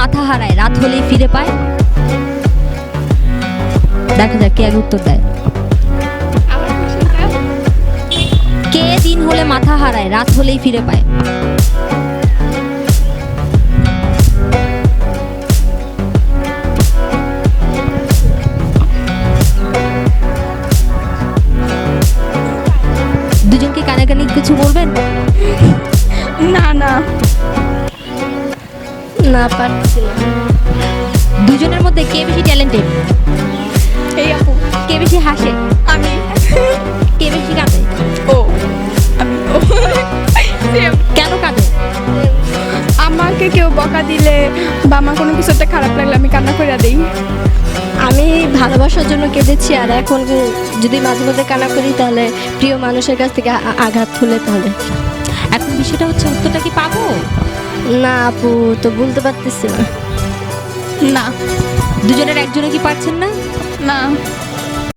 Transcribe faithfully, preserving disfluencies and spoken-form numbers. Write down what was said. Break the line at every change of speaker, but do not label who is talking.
মাথা হারায় রাত হলেই ফিরে পায়? দেখা যাক কে আগে উত্তর দেয়। কে দিন হলে মাথা হারায় রাত হলেই ফিরে পায়? দুজনকে কানাকানি কিছু বলবেন?
না না না পারছি না।
দুজনের মধ্যে কে বেশি ট্যালেন্টেড?
এই আপু।
কে বেশি হাসে?
আমি।
কে বেশি কাঁদে?
ও আমি। ও Same.
কেন কাঁদে?
আমাকে কেউ বকা দিলে বা আমার কোনো কিছু একটা খারাপ লাগলে আমি কান্না করে দিই।
আমি ভালোবাসার জন্য কেঁদেছি, আর এখন যদি মাঝে মধ্যে কান্না করি তাহলে প্রিয় মানুষের কাছ থেকে আ- আঘাত হলে তাহলে।
এখন বিষয়টা হচ্ছে উত্তরটা কি পাবো?
না আপু, তো বলতে পারতেছি না।
না
দুজনের একজনে কি পারছেন না?
না